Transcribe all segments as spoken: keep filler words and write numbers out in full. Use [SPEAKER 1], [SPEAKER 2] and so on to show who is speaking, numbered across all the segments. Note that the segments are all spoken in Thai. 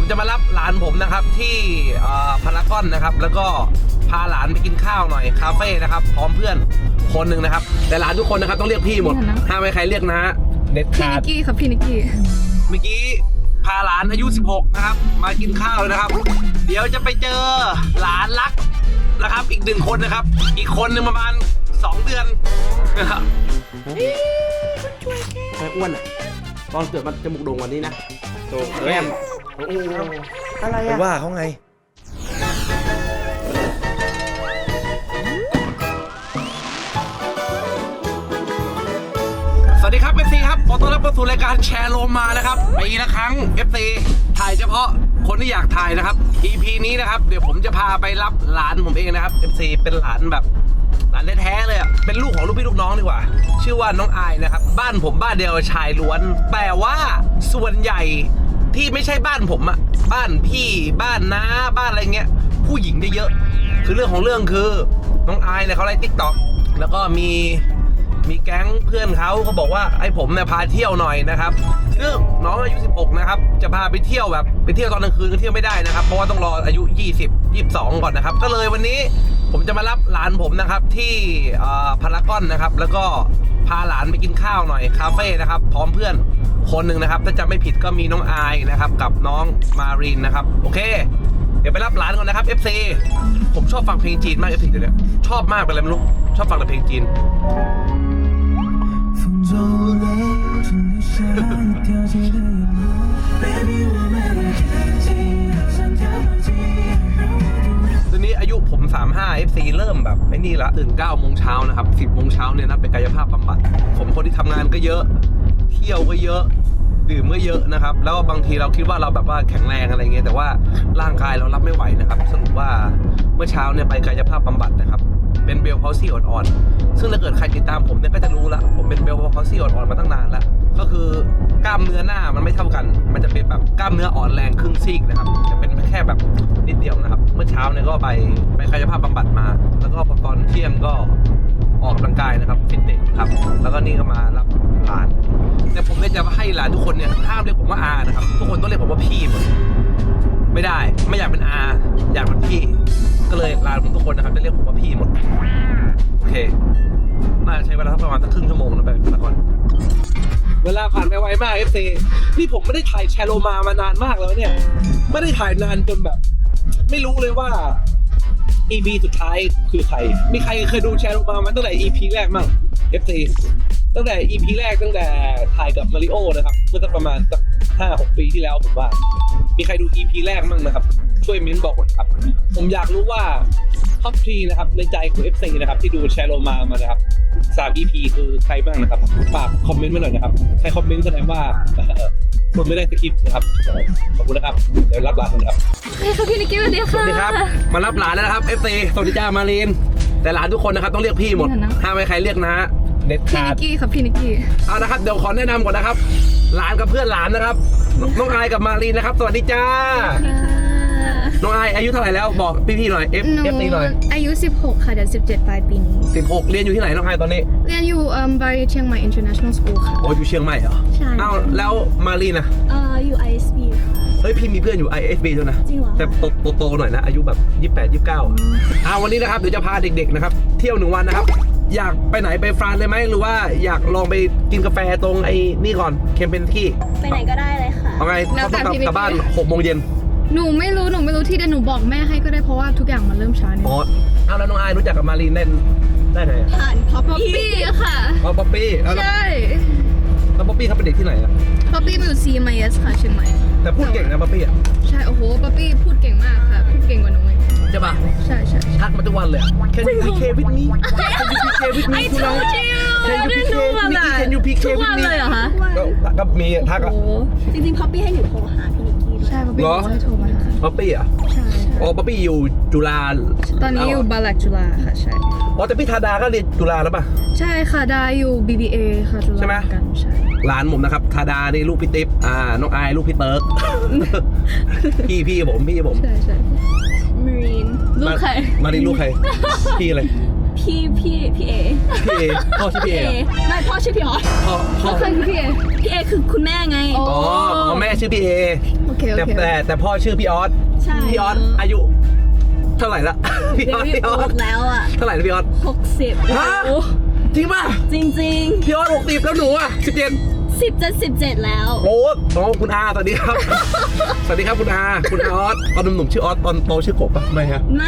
[SPEAKER 1] ผมจะมารับหลานผมนะครับที่พารากอนนะครับแล้วก็พาหลานไปกินข้าวหน่อยคาเฟ่นะครับพร้อมเพื่อนคนหนึ่งนะครับแต่หลานทุกคนนะครับต้องเรียกพี่หมดห้ามไม่ใครเรียกนะเด็ด
[SPEAKER 2] พี่
[SPEAKER 1] ขา
[SPEAKER 2] นิ
[SPEAKER 1] ด
[SPEAKER 2] กกี้ครับพี่นิกกี้
[SPEAKER 1] เมื่อกี้พาหลานอายุสิบหกนะครับมากินข้าวนะครับเดี๋ยวจะไปเจอหลานรักนะครับอีกหนึ่งคนนะครับอีกคนหนึ่งประมาณสองเดือนนะครับไอ้อ้วนอ่ะตอนเกิดมันจมูกโด่งกว่านี้นะโตแก้มอะไรอ่ะว่าเขาไงสวัสดีครับ เอฟ ซี ครับขอต้อนรับเข้าสู่รายการแชร์โลมานะครับปีละครั้ง เอฟ ซี ถ่ายเฉพาะคนที่อยากถ่ายนะครับ อี พี นี้นะครับเดี๋ยวผมจะพาไปรับหลานผมเองนะครับ เอฟ ซี เป็นหลานแบบหลานแท้ๆเลยอ่ะเป็นลูกของลูกพี่ลูกน้องดีกว่าชื่อว่าน้องอายนะครับบ้านผมบ้านเดียวชายล้วนแต่ว่าส่วนใหญ่ที่ไม่ใช่บ้านผมอ่ะบ้านพี่บ้านน้าบ้านอะไรเงี้ยผู้หญิงได้เยอะคือเรื่องของเรื่องคือน้องอายเนี่ยเขาไล่ ติ๊กต็อก แล้วก็มีมีแก๊งเพื่อนเขาเขาบอกว่าไอ้ผมเนี่ยพาเที่ยวหน่อยนะครับซึ่งน้องอายุสิบหกนะครับจะพาไปเที่ยวแบบไปเที่ยวตอนกลางคืนก็เที่ยวไม่ได้นะครับเพราะว่าต้องรออายุยี่สิบ ยี่สิบสองก่อนนะครับก็เลยวันนี้ผมจะมารับหลานผมนะครับที่พารากอนนะครับแล้วก็พาหลานไปกินข้าวหน่อยคาเฟ่นะครับพร้อมเพื่อนคนหนึ่งนะครับถ้าจำไม่ผิดก็มีน้องอายนะครับกับน้องมารีนนะครับโอเคเดี๋ยวไปรับหลานก่อนนะครับ เอฟ ซี ผมชอบฟังเพลงจีนมาก เอฟ ซี เดี๋ยวนี้ชอบมากเป็นอะไรไม่รู้ชอบฟังแต่เพลงจีนตอนนี้อายุผมสามสิบห้า เอฟ ซี เริ่มแบบไม่นี่ละตื่นเก้าโมงเช้านะครับสิบโมงเช้าเนี่ยนะไปกายภาพบำบัดผมคนที่ทำงานก็เยอะเที่ยวก็เยอะดื่มก็เยอะนะครับแล้วบางทีเราคิดว่าเราแบบว่าแข็งแรงอะไรเงี้ยแต่ว่าร่างกายเรารับไม่ไหวนะครับสรุปว่าเมื่อเช้าเนี่ยไปกายภาพบำบัดนะครับเป็นเบลพาวซี่อ่อนๆซึ่งถ้าเกิดใครติดตามผมเนี่ยก็จะรู้ละผมเป็นเบลพาวซี่อ่อนๆมาตั้งนานแล้วก็คือกล้ามเนื้อหน้ามันไม่เท่ากันมันจะเป็นแบบกล้ามเนื้ออ่อนแรงครึ่งซีกนะครับจะเป็นแค่แบบนิดเดียวนะครับเมื่อเช้าเนี่ยก็ไปไปกายภาพบำบัดมาแล้วก็พอตอนเที่ยงก็ออกกำลังกายนะครับฟิตเนสครับแล้วก็นี่ก็มารับหลานแต่ผมเนี่ยจะให้หลานทุกคนเนี่ยห้ามเรียกผมว่าอานะครับทุกคนต้องเรียกผมว่าพี่หมดไม่ได้ไม่อยากเป็นอาอยากเป็นพี่ก็เลยหลานผมทุกคนนะครับจะเรียกผมว่าพี่หมดโอเคน่าใช้เวลาประมาณสักครึ่งชั่วโมงนะไปละก่อนเวลาผ่านไปไวมาก เอฟ ซี นี่ผมไม่ได้ถ่ายแชร์โลมามานานมากแล้วเนี่ยไม่ได้ถ่ายนานจนแบบไม่รู้เลยว่า อี พี สุดท้ายคือใครมีใครเคยดูแชร์โลมามาตั้งแต่ อี พี แรกมั่ง เอฟ ซี ตั้งแต่ อี พี แรกตั้งแต่ถ่ายกับมาริโอนะครับเมื่อสักประมาณสักห้าหกปีที่แล้วผมว่ามีใครดู อี พี แรกมั่งนะครับช่วยเม้นบอกหน่อยครับผมอยากรู้ว่าท็อปทรีนะครับในใจของ เอฟ ซี นะครับที่ดูแชร์โลมามานะครับสาม อี พี คือใครบ้างนะครับฝากคอมเมนต์มาหน่อยนะครับใครคอมเมนต์แสดงว่าคนไม่ได้สคริปต์นะครับขอบคุณนะครับเดี๋ยวรับหลานกันครับ
[SPEAKER 2] ใช่ครับพี่นิกกี้สวัสดีค่ะ
[SPEAKER 1] สวัสดีครับมารับหลานแล้วนะครับ เอฟ ซี สวัสดีจ้ามารีนแต่หลานทุกคนนะครับต้องเรียกพี่หมดห้ามไม่ใครเรียกนะเด็ดขาด
[SPEAKER 2] พี่นิกกี้ครับพี่นิกกี้
[SPEAKER 1] เอานะครับเดี๋ยวขอแนะนำก่อนนะครับหลานกับเพื่อนหลานนะครับน้องอายกับมารีนนะครับสวัสดีจ้าน้องอายอายุเท่าไหร่แล้วบอกพี่ๆหน่อย F
[SPEAKER 2] หนู
[SPEAKER 1] F หน่อย
[SPEAKER 2] อายุสิบหกค่ะเดี๋ยวสิบเจ็ดปลายปีนี้
[SPEAKER 1] สิบหกเรียนอยู่ที่ไหนน้องอายตอนนี้
[SPEAKER 2] เรียนอยู่เอ่อไปเชียงใหม่ International School ค่ะ
[SPEAKER 1] โอ้อยู่เชียงใหม่เหรอ
[SPEAKER 2] ใช่
[SPEAKER 1] อ้าวแล้วมารีนนะ
[SPEAKER 2] เอ่ออยู่ ไอ เอส บี ค่ะ
[SPEAKER 1] เฮ้ยพี่มีเพื่อนอยู่ ไอ เอส บี ด้วยนะ
[SPEAKER 2] จริงเหรอ
[SPEAKER 1] แต่โตๆหน่อยนะอายุแบบยี่สิบแปด ยี่สิบเก้าอ้าววันนี้นะครับเดี๋ยวจะพาเด็กๆนะครับเที่ยวหนึ่งวันนะครับอยากไปไหนไปฟรานซ์เลยไหมหรือว่าอยากลองไปกินกาแฟตรงไอ้นี่ก่อนเคมเปนกี้
[SPEAKER 3] ไปไหนก็ได้เลยค่ะ
[SPEAKER 1] เอาไงเขาต้องกลับบ้านหกโมงเย็น
[SPEAKER 2] หนูไม่รู้หนูไม่รู้ที่เดี๋ยวหนูบอกแม่ให้ก็ได้เพราะว่าทุกอย่างมันเริ่มช้าเนี่ย
[SPEAKER 1] อ๋อเอาแล้วน้องอายรู้จักกับมารีนได้ได้ไง
[SPEAKER 3] ผ่าน
[SPEAKER 2] ป๊อปปี้ค่ะ
[SPEAKER 1] อ๋อป๊อปปี้
[SPEAKER 2] ใช่
[SPEAKER 1] แล้วป๊อปปี้เขาเป็นเด็กที่ไหนอะ
[SPEAKER 2] ป๊อปปี้มาอยู่ ซี เอ็ม ไอ เอส ค่ะเชียงใหม่
[SPEAKER 1] แต่พูดเก่งนะป๊อปปี้อะ
[SPEAKER 2] ใช่โอ้โหป๊อปปี้พูดเก่งมากค่ะพูดเก่งกว่าหนูเลย
[SPEAKER 1] ใช่ปะ
[SPEAKER 2] ใช่ใช่
[SPEAKER 1] ทักมาทุกวันเลย Can you P K with me Can you P K with me ทุกวัน Can you P K with me Can you P K with me
[SPEAKER 2] ทุกวันเลยเหรอคะ
[SPEAKER 1] ก็มีทักอะ
[SPEAKER 3] จริงๆพ็อปปี้ให้หนูโทรหาพี่นิกกี้ด้วย
[SPEAKER 2] ใช่ป๊อปปี้ให้โทรมาหา
[SPEAKER 1] ป๊อปปี้อะ
[SPEAKER 2] ใช่
[SPEAKER 1] อ๋อป๊อปปี้อยู่จุฬา
[SPEAKER 2] ตอนนี้อยู่บาลักจุฬาค่ะใช่
[SPEAKER 1] อ๋อแต่พี่ธาดาก็เรียนจุฬาแล้วป่ะ
[SPEAKER 2] ใช่ค่ะดาอยู่ บี บี เอ ค่ะจุฬาใช่ไหมกันใช่
[SPEAKER 1] หลานผมนะครับธาดานี่ลูกพี่ติ๊บอ่าน้องอายลูกพี่เติร์กพี่พี่ผมพี่ผม
[SPEAKER 2] ใช่ใช่มารีนลูกใคร
[SPEAKER 1] มารีนลูกใครพี่อะไร
[SPEAKER 3] พี่พี่พี่เอ
[SPEAKER 1] พี่เอพ่อชื่อพี่เอเหรอ
[SPEAKER 3] ไม่พ่อชื่อพี่ออส
[SPEAKER 1] พ่อพ่อ
[SPEAKER 2] เคยคือพี่เอ
[SPEAKER 3] พี่เอคือคุณแม่ไง
[SPEAKER 2] อ๋อ
[SPEAKER 1] อ๋ออ๋อแม่ชื่อพี่เอ
[SPEAKER 2] โอเคโอ
[SPEAKER 1] แต่
[SPEAKER 2] เค
[SPEAKER 1] แต่แต่พ่อชื่อพี่ออส
[SPEAKER 3] ใช่
[SPEAKER 1] พี่ออสอายุเท่าไหร่ละพี่
[SPEAKER 3] เด
[SPEAKER 1] ออส
[SPEAKER 3] วิด
[SPEAKER 1] พี่อ
[SPEAKER 3] โอ
[SPEAKER 1] อส
[SPEAKER 3] ดแล้วอ่ะ
[SPEAKER 1] เท่าไหร่นะพี่ออส
[SPEAKER 3] หกสิบ
[SPEAKER 1] ฮะจริงป่ะ
[SPEAKER 3] จริงจริง
[SPEAKER 1] พี่ออสหกสิบแล้วหนูอ่ะสิบเจ็ด
[SPEAKER 3] สิบจะสิบเจ็ดแล้ว
[SPEAKER 1] โอ้โหคุณอาสวัสดีครับ สวัสดีครับคุณอาคุณอาออสตอนหนุ่มๆชื่อออสตอนโตชื่อกบปะไม่ฮะ
[SPEAKER 3] ไม่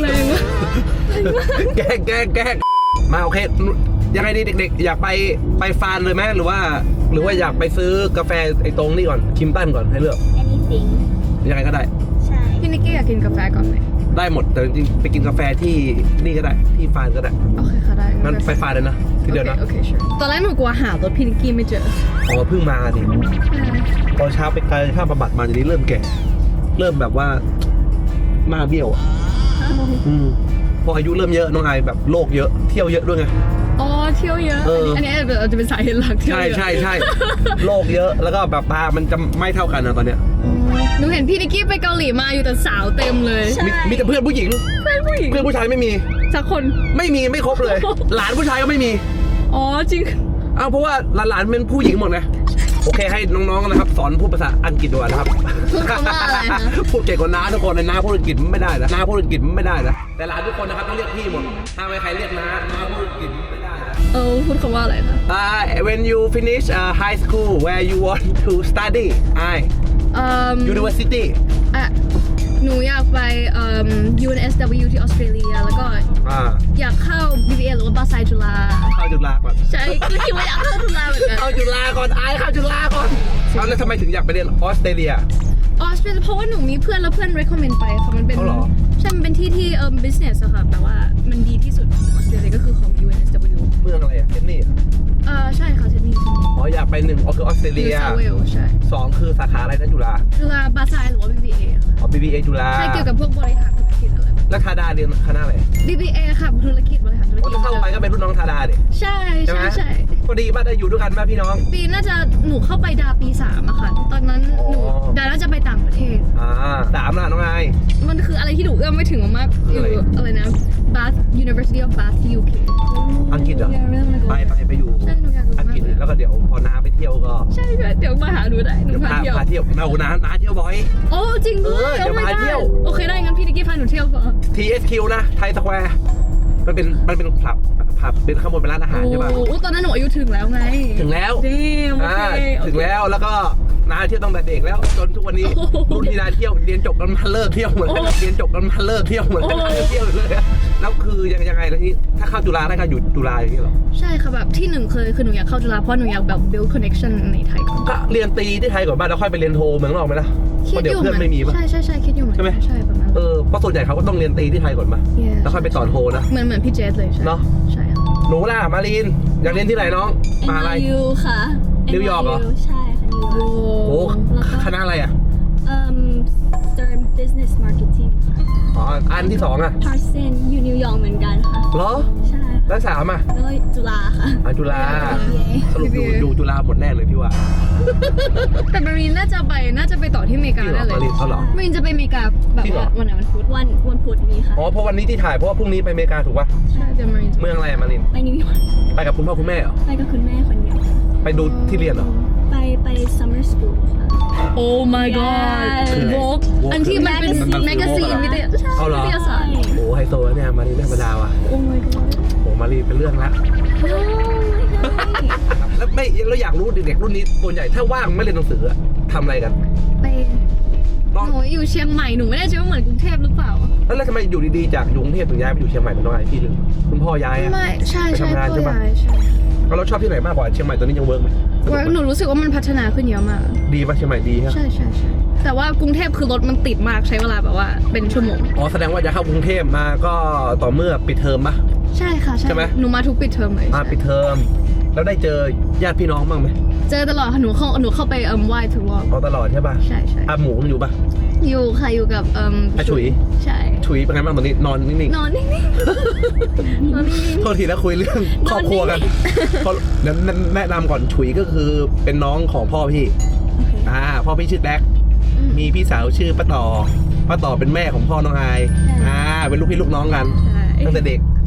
[SPEAKER 1] แกล้งแกล้งแกล้งมาโอเคยังไงดีเด็กๆ อยากไปไปฟานเลยไหมหรือว่า หรือว่าอยากไปซื้อกาแฟไอ้ตรงนี่ก่อนคิมตันก่อนให้เลือก
[SPEAKER 3] anything
[SPEAKER 1] ยังไงก็ได้
[SPEAKER 3] ใช่
[SPEAKER 2] พี่นิกกี้อยากกินกาแฟก่อนไหม
[SPEAKER 1] ได้หมดแต่จริงๆไปกินกาแฟที่นี่ก็ได้ที่ฟานก็ได้
[SPEAKER 2] โอเคค่ะได้
[SPEAKER 1] งั้นไปฟานเลยนะทีเดียวนะ
[SPEAKER 2] โอเคโอเค sure ตอนแรกหนูกลัวหารถพี่นิกกี้ไม่เจอ
[SPEAKER 1] อ๋อเพิ่งมาดิ
[SPEAKER 2] ใช่
[SPEAKER 1] ตอนเช้าไปกายภาพบำบัดมาทีนี้เริ่มแก่ เริ่มแบบว่าหน้าเบี้ยวอ่ะอืมพออายุเริ่มเยอะน้องไอแบบโรคเยอะเที่ยวเยอะด้วยไง
[SPEAKER 2] อ๋อเที่ยวเยอะ
[SPEAKER 1] เอออั
[SPEAKER 2] อันนี้อาจจะเป็นสาเหตุหลักเที่ยว
[SPEAKER 1] ใช่
[SPEAKER 2] เยอะ
[SPEAKER 1] ใช่ใช่โรคเยอะแล้วก็แบบตามันจะไม่เท่ากันนะตอนเนี้ย
[SPEAKER 2] หนูเห็นพี่นิกกี้ไปเกาหลีมาอยู่แต่สาวเต็มเลย
[SPEAKER 3] ใช่
[SPEAKER 1] มีมีแต่เพื่อนผู้หญิง
[SPEAKER 2] เพื่อนผู้หญิง
[SPEAKER 1] เพื่อนผู้ชายไม่มี
[SPEAKER 2] สักคน
[SPEAKER 1] ไม่มีไม่ครบเลย หลานผู้ชายก็ไม่มี
[SPEAKER 2] อ๋อจริง
[SPEAKER 1] อ้าวเพราะว่าหลานๆเป็นผู้หญิงหมดไงโอเคให้น้องๆนะครับ สอนพูดภาษาอังกฤษด้วยนะครับ
[SPEAKER 2] พูดคำว่าอะไรนะ
[SPEAKER 1] พูดเก่งกว่าน้าทุกคนเลยน้าพูดอังกฤษไม่ได้นะน้าพูดอังกฤษไม่ได้นะแต่หลานทุกคนนะครับต้องเรียกพี่หมดถ้าไม่ใครเรียกน้าน้าพูดอังกฤษไม่ได้นะ
[SPEAKER 2] เออพูดคำว่าอะไรนะ
[SPEAKER 1] Uh, when you finish uh, high school, where you want to study? I
[SPEAKER 2] เอ่อ
[SPEAKER 1] university.
[SPEAKER 2] อ่ะหนูอยากไปเอ่อ ยู เอ็น เอส ดับเบิลยู ที่ออสเตรเลียแล้วก็
[SPEAKER 1] อ่า
[SPEAKER 2] อยากเข้า บี บี เอ หรือว่าบาไซจุฬา
[SPEAKER 1] เข้าจุฬาก่อน
[SPEAKER 2] ใช่ก็คิดว่าอยากเข้าจุฬาเหมือนกัน
[SPEAKER 1] เข้าจุฬาก่อนไอเข้าจุฬาก่อนเอาแล้วทำไมถึงอยากไปเรียนออสเตรเลีย
[SPEAKER 2] ออสเตรเลียเพราะว่าหนูมีเพื่อนแล้วเพื่อน recommend ไปค่ะมันเป็น
[SPEAKER 1] เอาเหรอ
[SPEAKER 2] ใช่มันเป็นที่ที่เอ่อ business อะค่ะแต่ว่ามันดีที่สุดของออสเตรเลียก็คือของ ยู เอ็น เอส ดับเบิลยู
[SPEAKER 1] เมืองอะไรอะเซนนี่
[SPEAKER 2] เออใช่ค่ะเซนนี่เซนนี่
[SPEAKER 1] อ๋ออยากไปหนึ่งอ๋อคือออสเตร
[SPEAKER 2] นิ
[SPEAKER 1] เลี
[SPEAKER 2] วย เซาเวลใช่
[SPEAKER 1] สองคือสาขาอะไรนะจุฬา
[SPEAKER 2] จุฬาบาไซหรือว่า บี บี เอ ค่ะ
[SPEAKER 1] อ๋อ บี บี เอ จุฬา
[SPEAKER 2] ใช่เกี่ยวกับพวกบริหารธุรกิจอะไรแบบ
[SPEAKER 1] แล้วทาดาเรียนคณะอะไร
[SPEAKER 2] บี บี เอ ค่ะธุรกิจบริหารธุร
[SPEAKER 1] อ๋อ
[SPEAKER 2] กิจ
[SPEAKER 1] จะเข้าไปก็เป็นรุ่นน้องทาดาดิ
[SPEAKER 2] ใช่
[SPEAKER 1] ใช่ไหม
[SPEAKER 2] ใช่ใช่
[SPEAKER 1] พอดีมาได้อยู่ด้วยกันมาพี่น้อง
[SPEAKER 2] ปีน่าจะหนูเข้าไปดาปีสามอะค่ะ ตอนนั้น
[SPEAKER 1] อ๋อ
[SPEAKER 2] หนูดาน่าจะไปต่างประเทศ
[SPEAKER 1] อ่าสามล่ะน้องไอ
[SPEAKER 2] มันคืออะไรที่หนูเอื้อมไม่ถึงมากๆ
[SPEAKER 1] คืออะไร
[SPEAKER 2] อะไรนะ Bath University of Bath ที่ ยู เค
[SPEAKER 1] อังกฤษเหรอ ไปไปไปอยู่
[SPEAKER 2] ใช่หนูอยากรู้
[SPEAKER 1] อัง
[SPEAKER 2] มาก
[SPEAKER 1] กฤษ
[SPEAKER 2] เลย
[SPEAKER 1] แล้วก็เดี๋ยวพอน้าไปเที่ยวก็
[SPEAKER 2] ใช่ใช่เดี๋ยวมาหาหนูได้หนู
[SPEAKER 1] เดี๋ยว
[SPEAKER 2] พา
[SPEAKER 1] พา
[SPEAKER 2] เที่ยว
[SPEAKER 1] พาเที่ยวเอาน้าน้าเที่ยวบ่อย
[SPEAKER 2] โอ้จริงด้วย
[SPEAKER 1] เออเดี๋ยว
[SPEAKER 2] ไม่
[SPEAKER 1] พา
[SPEAKER 2] ได้
[SPEAKER 1] เที่ยว
[SPEAKER 2] โอเคได้งั้นพี่นิกกี้พาหนูเที่ยวก่อน
[SPEAKER 1] ที เอส คิว นะไทยสแควร์มันเป็นมันเป็นผับผับเป็นข้างบนเป็นร้านอาหารใช่ป่ะ
[SPEAKER 2] โอ้ตอนนั้นหนูอายุถึงแล้วไง
[SPEAKER 1] ถึงแล้ว
[SPEAKER 2] ดีโอ
[SPEAKER 1] อ่า
[SPEAKER 2] เคโอเค
[SPEAKER 1] ถึงแล้วแล้วก็น้าเที่ยวตั้งแต่เด็กแล้วจนทุกวันนี้
[SPEAKER 2] โอ้โห
[SPEAKER 1] รุ่นที่น้าเที่ยวเรียนจบแล้วมาเลิกเที่ยวหมดเลย
[SPEAKER 2] โอ้
[SPEAKER 1] เรียนจบแล้วมาเลิกเที่ยวหมดเลย
[SPEAKER 2] โอ้
[SPEAKER 1] เที่ยวเลยแล้วคือยังยังไงแล้วนี่ถ้าเข้าจุฬาได้ก็อยู่จุฬาอย่างนี้เหรอ
[SPEAKER 2] ใช่ค่ะแบบที่หนึ่งเคยคือหนูอยากเข้าจุฬาเพราะหนูอยากแบบ build connection ในไทยก่อน
[SPEAKER 1] ก็เรียนตีที่ไทยก่อนบ้านแล้วค่อยไปเรียนโทเมืองนอกไหมล่ะเพราะเดี๋ยวเพื่อนไม่มีป่ะ
[SPEAKER 2] ใช่ใช่ใช่คิดอยู่เหมือน
[SPEAKER 1] ใช่ไหม
[SPEAKER 2] กันใช่ประมาณ
[SPEAKER 1] เออเพราะส่วนใหญ่เขาก็ต้องเรียนตีที่ไทยก่อนป่ะ
[SPEAKER 2] Yeah
[SPEAKER 1] แล้วค่อยไปต่อโทนะ
[SPEAKER 2] เหมือนเหมือนพี่เจสเลยใช่
[SPEAKER 1] เนอะ
[SPEAKER 2] ใช่ค่ะ
[SPEAKER 1] หนูล่ะมารีนอยากเรียนที่ไหนน้องมหาลัย
[SPEAKER 3] เอ็น วาย ยู ค่ะ
[SPEAKER 1] นิวยอร์กเหรอ
[SPEAKER 3] เอ็น วาย ยู ใช่ค่ะนิวยอ
[SPEAKER 2] โอ้
[SPEAKER 3] ร์ก
[SPEAKER 1] โอ้
[SPEAKER 3] แล้วก็
[SPEAKER 1] คณะอะไรอ่ะ
[SPEAKER 3] เอ่อ Stern Business Marketing ค่ะ
[SPEAKER 1] อ๋ออันที่สองอ่ะ
[SPEAKER 3] Parsons อยู่นิวยอร์กเหมือนกันค่ะ
[SPEAKER 1] เหรอ
[SPEAKER 3] ใช่
[SPEAKER 1] แล้วสามอ่ะ
[SPEAKER 3] แล้วก็จุฬาค่ะ
[SPEAKER 1] อ่ะจุฬา
[SPEAKER 3] บี บี เอ
[SPEAKER 1] สรุปอยู่อยู่จุฬาหมดแน่เลยพี่ว่า
[SPEAKER 2] แต่มารีนน่าจะไปน่าจะไปต่อที่อเมริกา
[SPEAKER 1] จริงเหรอ
[SPEAKER 2] ได้เลย
[SPEAKER 1] มารีนเขาเหรอ
[SPEAKER 2] มารีนจะไปอเมริกาแบบ
[SPEAKER 1] จริงเหรอ
[SPEAKER 2] ว่าวันไหนวันพุธ
[SPEAKER 3] วันวันพุธนี้ค่ะ
[SPEAKER 1] อ๋อเพราะวันนี้ที่ถ่ายเพราะว่าพรุ่งนี้ไปอเมริกาถูกป่ะ
[SPEAKER 2] ใช่เดี๋ยวมารีนจะ
[SPEAKER 1] เมืองอะไรอะมาริน
[SPEAKER 3] ไปนิวยอร์ก
[SPEAKER 1] ไปกับคุณพ่อคุณแม่เหรอ
[SPEAKER 3] ไปกับคุณแม่คนเดียวค่ะ
[SPEAKER 1] ไปดูที่เรียนเหรอ
[SPEAKER 3] ไปไป summer school ค่ะ
[SPEAKER 2] โอ้ my god
[SPEAKER 3] Yes
[SPEAKER 2] โวก
[SPEAKER 1] Vogue
[SPEAKER 2] อันที่มันเป็น
[SPEAKER 3] Magazine
[SPEAKER 2] แมกกาซีน
[SPEAKER 1] Vogue
[SPEAKER 2] วิทยา
[SPEAKER 1] เอาเหรอ
[SPEAKER 2] วิทยาศาสตร์
[SPEAKER 1] โอ้ไฮโซนะเนี่ยมารินไม่ธรรมดาว่ะ
[SPEAKER 2] โอ้ my god
[SPEAKER 1] โอ้มารินเป็นเรื่องละ
[SPEAKER 3] โอ้ย
[SPEAKER 1] แล้วไม่แล้วอยากรู้เด็กๆรุ่นนี้ส่วนใหญ่ถ้าว่างไม่เรียนหนังสืออะทำอะไรกัน
[SPEAKER 2] ไป
[SPEAKER 1] ลอง
[SPEAKER 2] หนูอยู่เชียงใหม่หนูไม่แน่ใจว่าเหมือนกรุงเทพหรือเปล่า
[SPEAKER 1] แล้วแล้วทำไมอยู่ดีๆจากกรุงเทพถึงย้ายไปอยู่เชียงใหม่เป็นน้องไอพี่หนึ่งคุณพ่อย้ายอะ
[SPEAKER 2] ไม่ใช่
[SPEAKER 1] ไป
[SPEAKER 2] ใช่
[SPEAKER 1] ทำงาน
[SPEAKER 2] พ่อ
[SPEAKER 1] ใช่ปะ
[SPEAKER 2] ย้ายใช่
[SPEAKER 1] แล้วเราชอบที่ไหนมากกว่าเชียงใหม่ตอนนี้ยังเวิร์กไหมสนุก
[SPEAKER 2] ว่า
[SPEAKER 1] ไหม
[SPEAKER 2] หนูรู้สึกว่ามันพัฒนาขึ้นเยอะมาก
[SPEAKER 1] ดีป่ะเชียงใหม่ดีฮะ
[SPEAKER 2] ใช่ใช่ใช่แต่ว่ากรุงเทพคือรถมันติดมากใช้เวลาแบบว่าเป็นชั่วโมง
[SPEAKER 1] อ๋อแสดงว่าจะเข้ากรุงเทพมาก็ต่อเมื่อปิดเทอมปะ
[SPEAKER 2] ใช่ค่ะใช่
[SPEAKER 1] ใช่ไหม
[SPEAKER 2] หนูมาทุกปิดเทอมเลย
[SPEAKER 1] อ่า
[SPEAKER 2] ใช่
[SPEAKER 1] ปิดเทอมแล้วได้เจอญาติพี่น้องบ้างไหม
[SPEAKER 2] เจอตลอดค่ะหนูเข้าหนูเข้าไปเอิ่มไหว้ทุกรอบ
[SPEAKER 1] เอาตลอดใช่ป่ะ
[SPEAKER 2] ใช่ใช่
[SPEAKER 1] อาหมูยังอยู่ป่ะ
[SPEAKER 2] อยู่ค่ะอยู่กับเอิ่ม
[SPEAKER 1] อาฉุย
[SPEAKER 2] ใช่
[SPEAKER 1] ฉุยเป็นไงบ้างตอนนี้นอนนิ่ง
[SPEAKER 2] นอนนิ่งๆนอนนิ่ง
[SPEAKER 1] ๆโทษทีนะคุยเรื่องครอบครัวกันเพราะแนะแนะนำก่อนฉุยก็คือเป็นน้องของพ่อพี่อ่าพ่อพี่ชื่อแดก
[SPEAKER 2] ๆอืม
[SPEAKER 1] มีพี่สาวชื่อป้าต่อป้าต่อเป็นแม่ของพ่อน้องอายอ่าเป็นลูกพี่ลูกน้องกัน
[SPEAKER 2] ใช่
[SPEAKER 1] ตั้งแต่เด็ก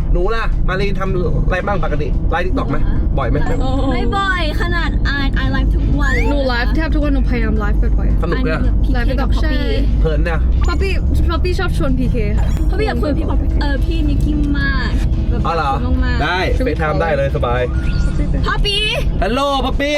[SPEAKER 1] หนูล่ะมารีนทำอะไรบ้างปกติไลฟ์ทิกตอกไหมบ่อยไหม
[SPEAKER 2] โอ้
[SPEAKER 3] ไม่บ่อยขนาดอ่านไอไลฟ์ทุกวัน
[SPEAKER 2] หนูไลฟ์แทบทุกวันหนูพยายามไลฟ์บ่อย
[SPEAKER 1] สนุกเลยอะ
[SPEAKER 2] ไลฟ์ไปกับใช่
[SPEAKER 1] เพลินเนี่ย
[SPEAKER 2] ป๊อปปี้ป๊อปปี้ชอบชวนพีเคค่ะ
[SPEAKER 3] เพราะพี่อยากคุยกับพี่ป๊อปเออพี่นิกกี้มากแบบ
[SPEAKER 1] อ๋อเหรอ
[SPEAKER 3] มากๆ
[SPEAKER 1] ได้เฟซไทม์ได้เลยสบาย
[SPEAKER 3] พ่อปี
[SPEAKER 1] ฮัลโหลป๊อปปี้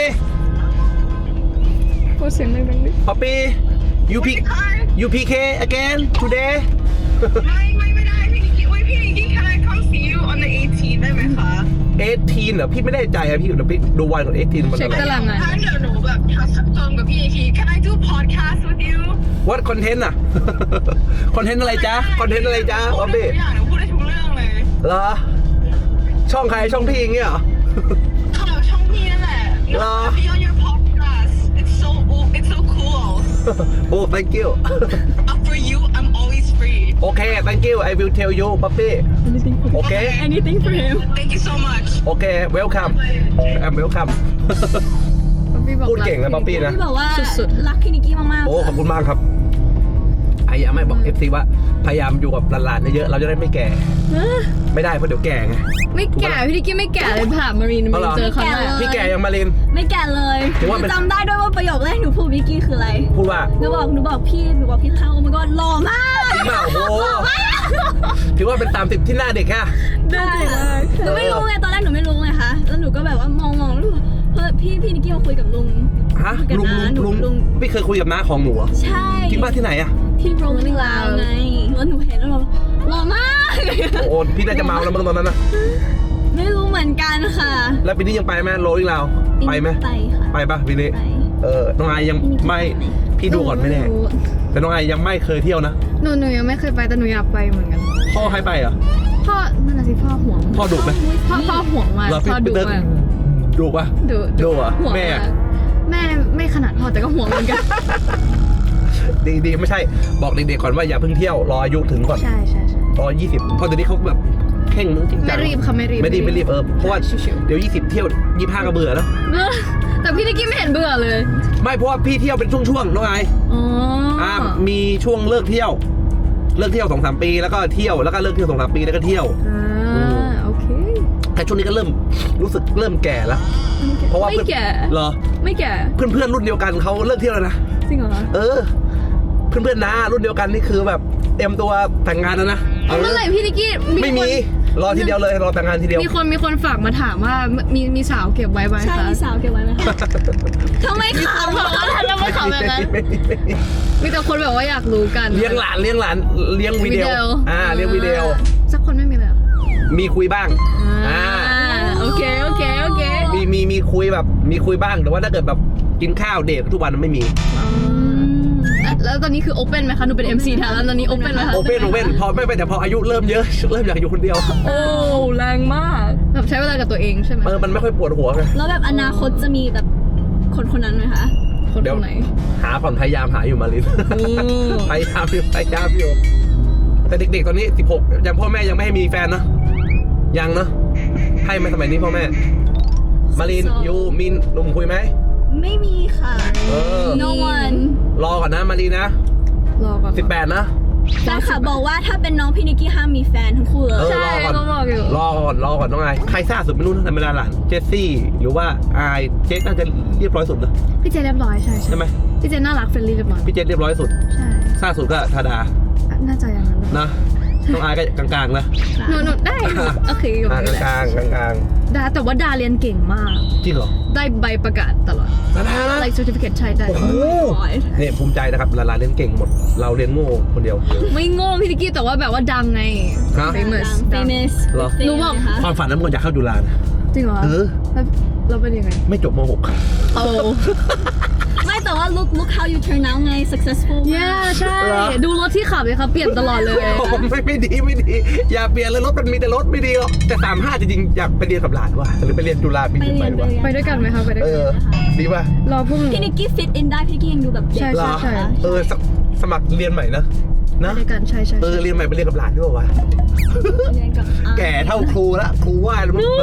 [SPEAKER 2] พูดเสียงดังๆดิ
[SPEAKER 1] ป๊อปปี้ you p you pk again today
[SPEAKER 4] ไม่ไม่ไม่ได้พี่นิกกี้อุ้ยพี่นิกกี้ can I come see you on the eighteenth ได้ไหมคะ
[SPEAKER 1] เอทีนเหรอพี่ไม่ได้ใจอะพี่เดี๋ยวพี่ดูวันของเอทีนมัน
[SPEAKER 2] เช็ค
[SPEAKER 1] อะไร
[SPEAKER 2] ตารางงาน
[SPEAKER 4] ถ้าเดี๋ยวหนูแบบทักเติมกับพี่นิกกี้ can I do podcast with you
[SPEAKER 1] what content อะ คอนเทนต์อะไรจ๊ะคอนเทนต์อะไรจ๊ะ
[SPEAKER 4] พู
[SPEAKER 1] ป๊
[SPEAKER 4] ด
[SPEAKER 1] อป
[SPEAKER 4] ได้
[SPEAKER 1] ปี้
[SPEAKER 4] ทุกอย่างหนูพูดได้ทุกเรื่องเลย
[SPEAKER 1] เหรอช่องใครช่องพี่อย่างเงี้ยเหรอ
[SPEAKER 4] ข่าวช่องพี่นั่นแหละ
[SPEAKER 1] เหรอ
[SPEAKER 4] be on your podcast it's so it's so cool
[SPEAKER 1] โอ้ thank you
[SPEAKER 4] uh, for you I'm always free
[SPEAKER 1] โอเค thank you I will tell you ป๊อปปี้โอเค
[SPEAKER 3] anything for him
[SPEAKER 4] thank you so much
[SPEAKER 1] โอเค welcome I'm welcome
[SPEAKER 2] ป๊อปปี้บอก
[SPEAKER 1] พูดเก่งนะป๊อปปี้นะ
[SPEAKER 3] พี่บอกว่า
[SPEAKER 2] สุด
[SPEAKER 3] รักพี่นิกกี้มากๆ
[SPEAKER 1] โอ้ขอบคุณมากครับพยายามไม่บอก เอฟ ซี ว่าพยายามอยู่กับหลานๆเยอะๆเราจะได้ไม่แก่ ไม่ได้เพราะเดี๋ยวแก่ไง
[SPEAKER 2] ไม่แก่พี่นิกกี้ไม่แก่เลยผ่านมารีน
[SPEAKER 1] เอาเหรอ
[SPEAKER 2] เจอครั้งแรก
[SPEAKER 1] พี่แก่ยังมาเรียน
[SPEAKER 3] ไม่แก่เลย
[SPEAKER 1] ถือว่าเป็น
[SPEAKER 3] จำได้ด้วยว่าประโยคแรกหนูพูดนิกกี้คืออะไร
[SPEAKER 1] พูดว่า
[SPEAKER 3] หนูบอกหนูบอกพี่หนูบอกพี่เข้าโอ้ my god หล่อมาก
[SPEAKER 1] จริงเปล่าโอ้โหถือว่าเป็นตามติดที่หน้าเด็กแค่
[SPEAKER 3] ได้หนูไม่รู้ไงตอนแรกหนูไม่รู้ไงคะแล้วหนูก็แบบว่ามองมองแล้วเฮ้ยพี่พี่นิกกี้มาคุยกับลุง
[SPEAKER 1] ฮะ
[SPEAKER 3] คุยกับ
[SPEAKER 1] ลุง
[SPEAKER 3] น้าหนู
[SPEAKER 1] ลุง
[SPEAKER 3] ลุง
[SPEAKER 1] พี่เคยคุยกับน้าของหนูเหรอ
[SPEAKER 3] ใช่
[SPEAKER 1] จริงป่ะที่ไหนอะ
[SPEAKER 3] ที่โรงลาวไงแล้วหนูเห็นแล้วเราหล่อมาก
[SPEAKER 1] โอ้โหพี่น่าจะเมาแล้วมั้งตอนนั้นนะ
[SPEAKER 3] ไม่รู้เหมือนกันค่ะ
[SPEAKER 1] แล้วปีนี้ยังไปไหมโรลลิ่งลาวไปไหม
[SPEAKER 3] ไปค่ะ
[SPEAKER 1] ไปปะปีนี้
[SPEAKER 3] ไป
[SPEAKER 1] เออน้องไอยังไม่พี่ดูก่อนไม่แน่แต่น้องไอยังไม่เคยเที่ยวนะ
[SPEAKER 2] หนูหนูยังไม่เคยไปแต่หนูอยากไปเหมือนกัน
[SPEAKER 1] พ่อให้ไปเหรอ
[SPEAKER 2] พ่อนั่นน่ะสิพ่อห่วง
[SPEAKER 1] พ่อดุไหม
[SPEAKER 2] พ่อพ่อห่วงมาก
[SPEAKER 1] เหรอพี่
[SPEAKER 2] พ่อดุ
[SPEAKER 1] เติ้ล
[SPEAKER 2] มาก
[SPEAKER 1] ดุปะ
[SPEAKER 2] ดุ
[SPEAKER 1] ดุเหรอ
[SPEAKER 2] ห่วง
[SPEAKER 1] แม่
[SPEAKER 2] ากแม่ไม่ขนาดพ่อแต่ก็ห่วงเหมือนกัน
[SPEAKER 1] ดีดีไม่ใช่บอกเด็กๆก่อนว่าอย่าเพิ่งเที่ยวรออายุถึงก่อน
[SPEAKER 2] ใช่ใช่ใช่
[SPEAKER 1] รอยี่สิบเพราะเดี๋ยวนี้เขาแบบเข่งมึงจริงจัง
[SPEAKER 2] ไม่รีบค่ะไม่รีบ
[SPEAKER 1] ไม่รีบไม่รีบเออเพราะว่าเดี๋ยวยี่สิบเที่ยวยี่ห้าก็เบื่อแล้ว
[SPEAKER 2] เออแต่พี่นิกกี้ไม่เห็นเบื่อเลย
[SPEAKER 1] ไม่เพราะว่าพี่เที่ยวเป็นช่วงๆน้องไอ
[SPEAKER 2] อ๋ออ
[SPEAKER 1] อ่ามีช่วงเลิกเที่ยว เลิกเที่ยวสองสามปีแล้วก็เที่ยวแล้วก็เลิกเที่ยวสองสามปีแล้วก็เที่ยว
[SPEAKER 2] อ่าโอเค
[SPEAKER 1] แต่ช่วงนี้ก็เริ่มรู้สึกเริ่มแก่แล้ว เพราะว่า
[SPEAKER 2] ไม่
[SPEAKER 1] เพื่อน
[SPEAKER 2] แก่
[SPEAKER 1] เหรอ
[SPEAKER 2] ไม่แก่
[SPEAKER 1] เพื่อนเพื่อนๆรุ่นเดียวกันเขาเลิกเที่ยวแล้วนะ
[SPEAKER 2] จริงเหรอคะ
[SPEAKER 1] เออ เพื่อนเพื่อนๆนะรุ่นเดียวกันนี่คือแบบเตรียมตัวแต่งงานแล้วนะ
[SPEAKER 2] เอาเมื่อไหร่พี่นิกกี้
[SPEAKER 1] ไม่มี
[SPEAKER 2] คน
[SPEAKER 1] รอทีเดียวเลยรอแต่งงานทีเดียว
[SPEAKER 2] มีคนมีคนฝากมาถามว่ามีมีสาวเก็บไว้ไหม
[SPEAKER 3] ใช่
[SPEAKER 2] คะ
[SPEAKER 3] มีสาวเก็บไว้ไหมคะทำไมขำ
[SPEAKER 2] บอกว่าทำไมขำแบบนั้น
[SPEAKER 1] ไม่มีไม่มี
[SPEAKER 2] มีแต่คนแบบว่าอยากรู้กัน
[SPEAKER 1] เลี้ยงหลานเลี้ยงหลานเลี้ยงวิดีโอ
[SPEAKER 2] วิดีโออ่
[SPEAKER 1] อ่าเลี้ยงวิดีโอ
[SPEAKER 2] สักคนไม่มีเลยเหรอ
[SPEAKER 1] มีคุยบ้าง
[SPEAKER 2] อ่า
[SPEAKER 1] อ่า
[SPEAKER 2] โอเคโอเคโอเค
[SPEAKER 1] มีมีมีคุยแบบมีคุยบ้างแต่ว่าถ้าเกิดแบบกินข้าวเดททุกวันไม่มี
[SPEAKER 2] แล้วแล้วตอนนี้คือโอเ n นไหมคะหนูเป็น เอ็ม ซี แทนแล้วตอนนี้โอเ n นไหมคะ
[SPEAKER 1] โอเ n นโอเ n พอไม่ไปแต่พออายุเริ่มเยอะ เริ่มอยากอยู่คนเดียว
[SPEAKER 2] โอ้แรงมากแบบใช้เวลากับตัวเองใช่ไหม
[SPEAKER 1] เออมันไม่ค่อยปวดหัวไง
[SPEAKER 3] แล้วแบบอนาคตจะมีแบบคนคนนั้นไหมคะ
[SPEAKER 2] คน
[SPEAKER 1] เดี๋ยว
[SPEAKER 2] คนไหน
[SPEAKER 1] หาก่อนพยายามหาอยู่มาลิน พยายามอยู่พยายามอยู่แต่เด็กๆตอนนี้สิบหกยังพ่อแม่ยังไม่ให้มีแฟนนะยังเนอะให้ไหมสมัยนี้พ่อแม่มาลินยูมินหนุ่มคุยไหม
[SPEAKER 3] ไม่มีค่ะ
[SPEAKER 1] เออ
[SPEAKER 3] no one
[SPEAKER 1] รอก่อนนะมาลินนะ
[SPEAKER 2] รอก่อน
[SPEAKER 1] สิบแปดนะ
[SPEAKER 3] แฟนค่ะบอกว่าถ้าเป็นน้องพี่นิกกี้ห้ามมีแฟนทั้งคู่เลย
[SPEAKER 1] เออ
[SPEAKER 2] ใช่
[SPEAKER 1] รอก่อน
[SPEAKER 2] เขาบอกอยู่
[SPEAKER 1] รอก่อนรอก่อนน้องไอใครซ่าสุดไม่รู้นะธรรมดาหลานเจสซี่หรือว่าไอเจสน่าจะเรียบร้อยสุดนะ
[SPEAKER 2] พี่เจเรียบร้อยใช่
[SPEAKER 1] ใช่ไหม
[SPEAKER 2] พี่เจน่ารักเฟรนลี่เรียบร้อย
[SPEAKER 1] พี่เจสเรียบร้อยสุด
[SPEAKER 2] ใช่
[SPEAKER 1] ซ่าสุดก็ธาดา
[SPEAKER 2] น่าจะอย่างนั้นเลย
[SPEAKER 1] นะน้องไอก็กลางๆนะ
[SPEAKER 2] หนูหนูได้โอเคอยู่
[SPEAKER 1] อ่ากลางๆกลาง
[SPEAKER 2] ดาแต่ว่าดาเรียนเก่งมาก
[SPEAKER 1] ๆจริงเหรอ
[SPEAKER 2] ได้ใบประกาศตลอด
[SPEAKER 1] ธาดานะ
[SPEAKER 2] like certificate ใช่ได้
[SPEAKER 1] โอ้โหเนี่ยภูมิใจนะครับหลานๆเรียนเก่งหมดเราเรียนโง่คนเดียว
[SPEAKER 2] ไม่โง่พี่นิกกี้แต่ว่าแบบว่าดังไง
[SPEAKER 1] ฮะ
[SPEAKER 2] famous
[SPEAKER 3] ดัง famous
[SPEAKER 1] เหรอ
[SPEAKER 2] หนูบอก
[SPEAKER 3] คะ
[SPEAKER 1] ความฝันนั้นมันอยากเข้าจุฬานะ
[SPEAKER 2] จริงเหรอ
[SPEAKER 1] เออ
[SPEAKER 2] แล้วเราเป็นยังไง
[SPEAKER 1] ไม่จบม หก
[SPEAKER 2] โอ้
[SPEAKER 3] ไม่แต่ว่า look look how you turn out ไง successful
[SPEAKER 2] ย yeah, ใช่
[SPEAKER 1] เหรอ
[SPEAKER 2] ดูรถที่ขับเลยครับเปลี่ยนตลอดเลย
[SPEAKER 1] ไม่ไม่ดีไม่ดี อย่าเปลี่ยนเลยรถมันมีแต่รถไม่ดีหรอกแต่สามห้าจริงๆอยากไปเรียนกับหลานว่ะหรือไปเรียนจุฬาปี
[SPEAKER 3] ไป
[SPEAKER 1] นี้
[SPEAKER 3] เรี
[SPEAKER 1] ไป
[SPEAKER 3] ยน
[SPEAKER 1] ดีกว่า
[SPEAKER 2] ไปด้วยกันไหมคะไปด้วย
[SPEAKER 1] เอ
[SPEAKER 2] กัน
[SPEAKER 1] อดีป่ะ
[SPEAKER 2] รอพวกหนู
[SPEAKER 3] พี่นิกกี้ fit in ได้พี่นิกกี้ยังดูแบบเด็ก
[SPEAKER 2] ใช่
[SPEAKER 1] เหรอ
[SPEAKER 2] ใช่
[SPEAKER 1] เออสสมัครเรียนใหม่นะ
[SPEAKER 2] ไป
[SPEAKER 1] นะ
[SPEAKER 2] ด้วยกันใช่ใช่
[SPEAKER 1] เออเรียนใหม่ไปเรียนกับหลานด้วยวะ
[SPEAKER 3] เรียนกับอ่า
[SPEAKER 1] แก่เท่าครูละครูไหว้แล้วมั้ง